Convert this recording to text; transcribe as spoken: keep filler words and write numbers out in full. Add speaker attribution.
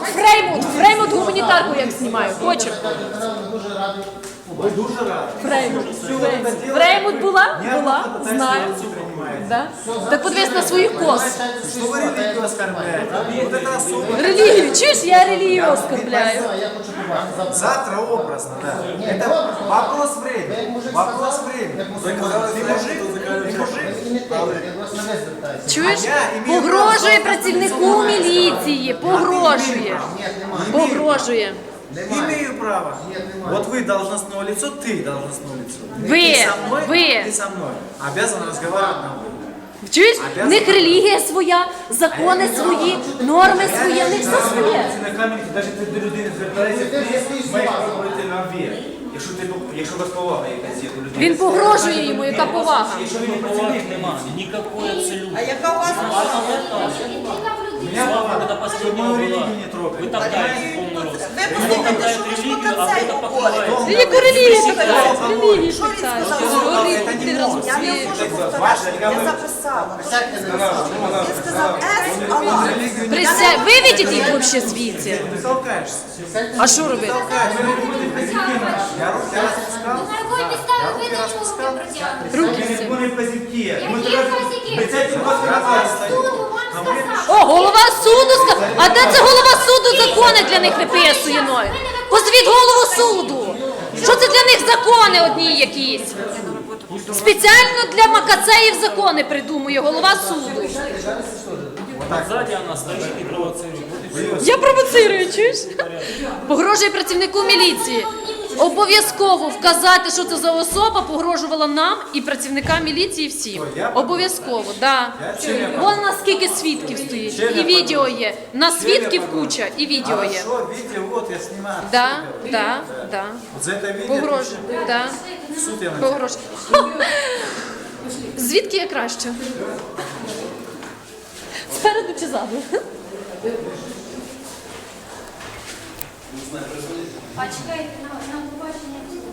Speaker 1: Фреймут, Фреймут гуманітарку як знімаю. Хочемо.
Speaker 2: Ви дуже раді.
Speaker 1: Фреймут. Фреймут була? Була, знаю. Да? Так подивись на своїх кос.
Speaker 2: Що ви релігію оскорбляєте? Вот это особо.
Speaker 1: Релігію, чуєш, я релігію оскорбляю.
Speaker 2: Завтра образно, да. Это вопрос времени. Вопрос времени. Ты мужик? Ты мужик?
Speaker 1: Чуєш? Погрожує працівнику міліції, погрожує. Погрожує.
Speaker 2: Имею право. Вот вы должностное лицо, ты должностное лицо.
Speaker 1: Вы,
Speaker 2: Ты со мной,
Speaker 1: вы.
Speaker 2: ты со мной. Обязан разговаривать на вы.
Speaker 1: Чуєш? В них релігія своя, закони свої, норми свої, в них все своє.
Speaker 3: На камері, навіть ти до людини звертаєшся, ти маєш говорити на «ви». Якщо ти, якщо у вас повага якась є до людини.
Speaker 1: Він погрожує йому, яка повага.
Speaker 3: Якщо він не працівник, немає.
Speaker 4: Никакой абсолютно.
Speaker 5: А яка у вас
Speaker 3: Мене повага,
Speaker 4: Это
Speaker 3: щоб
Speaker 4: последняя
Speaker 3: мою
Speaker 4: была.
Speaker 3: релігію не трогай.
Speaker 4: Вы топтаете полный рост.
Speaker 5: Ви послухайте, що ви ж по концерту говорите.
Speaker 1: Яку релігію питають? Релігію
Speaker 5: Що він
Speaker 1: питають.
Speaker 5: сказав?
Speaker 2: Это не может.
Speaker 5: Я не можу повторяти, я записала. Він сказав «Ес Аллах».
Speaker 1: Присядь, виведіть їх взагалі звідси.
Speaker 2: Ты толкаешься.
Speaker 1: А що робити?
Speaker 2: Я руки распускал.
Speaker 6: На какой підставі ви до нього руки
Speaker 1: Руки
Speaker 6: протягнули?
Speaker 1: всі.
Speaker 3: Вони позитки. Ми
Speaker 6: Які
Speaker 3: тебе
Speaker 6: позитки?
Speaker 3: обіцяйте вас
Speaker 6: Суду вам сказав.
Speaker 1: О, голова суду сказав. А де це голова суду закони для них виписує мною? Позвіть голову суду. Що це для них закони одні якісь? Спеціально для макацеїв закони придумує голова суду.
Speaker 4: Сзади она стоит и провоцирует.
Speaker 1: Я провоцирую, чуєш? Погрожує працівнику міліції. Обов'язково вказати, що це за особа, погрожувала нам і працівникам міліції всім. Обов'язково, так. Да. Вон у нас скільки свідків стоїть. І відео є. На свідків куча, і відео є.
Speaker 2: Хорошо, видео, вот я снимаю.
Speaker 1: Да, да, да.
Speaker 2: Вот за это видео.
Speaker 1: Погрожує, да.
Speaker 2: В суд я напишу.
Speaker 1: Погрожує. Ха! Звідки я краще? Спереду чи ззаду?
Speaker 6: А чекайте, на, на побачення.